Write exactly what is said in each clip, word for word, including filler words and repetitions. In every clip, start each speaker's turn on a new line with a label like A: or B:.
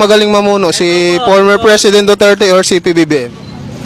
A: magaling mamuno? Si former President Duterte or si P B B M?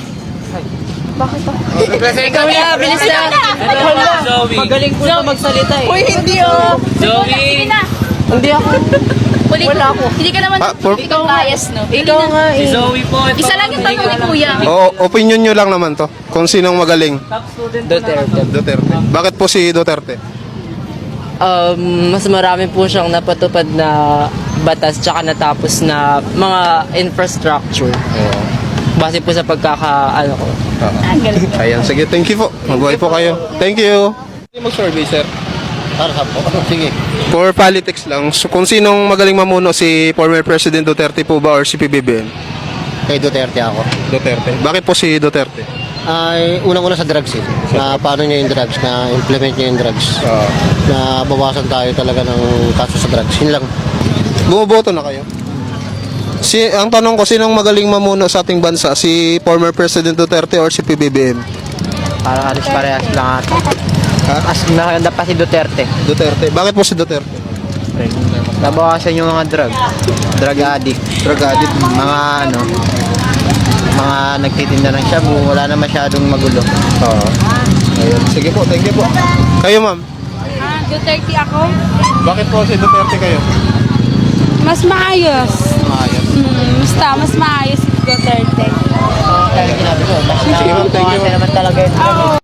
B: Ikaw na, bilis na.
C: Zoe.
B: Magaling po na magsalita eh.
D: Uy, hindi oh.
C: Zoe.
B: Hindi ako.
D: Wala ako. Hindi ka naman
A: Ah, for-
D: ikaw bias, no?
B: Ikaw nga
C: Si
B: eh.
C: Zoe po.
D: Isa lang yung tanong ni Kuya.
A: O, opinion nyo lang naman to. Kung sinong magaling?
B: Duterte.
A: Duterte. Bakit po si Duterte?
B: Um, mas marami po siyang napatupad na batas tsaka natapos na mga infrastructure. Base po sa pagkaka, ano ko.
A: Ayan, sige, thank you po. Mabuhay po kayo. Thank you. Mag-survey, sir.
E: Para sa po. Sige.
A: For politics lang, so, kung sinong magaling mamuno, si former President Duterte po ba or si P B B M?
E: Kay Duterte ako.
A: Duterte. Bakit po si Duterte?
E: Ay, unang-una sa drugs eh. Na paano niya yung drugs, na implement niya yung drugs.
A: Uh,
E: Na bawasan tayo talaga ng kaso sa drugs. Yun lang.
A: Bumoboto na kayo? Si, ang tanong ko, sinong magaling mamuno sa ating bansa? Si former President Duterte or si P B B M?
B: Parang alis parehas lang ata.
A: Ha?
B: As nakaganda pa si Duterte.
A: Duterte. Bakit po si Duterte?
B: Nabawasan yung mga drug. Drug addict.
A: Drug addict.
B: Mga ano, mga nagtitinda ng shabu, wala na masyadong magulo.
A: Oo. Ayun. Sige po, thank you po. Kayo, ma'am.
F: Ah, Duterte ako.
A: Bakit po si Duterte kayo?
F: Mas maayos.
A: Ayos.
F: Hmm, basta mas maayos si Duterte.
B: Kaya ginabi ko, mas
A: Sige, ma'am, thank you.
B: naman talaga yun.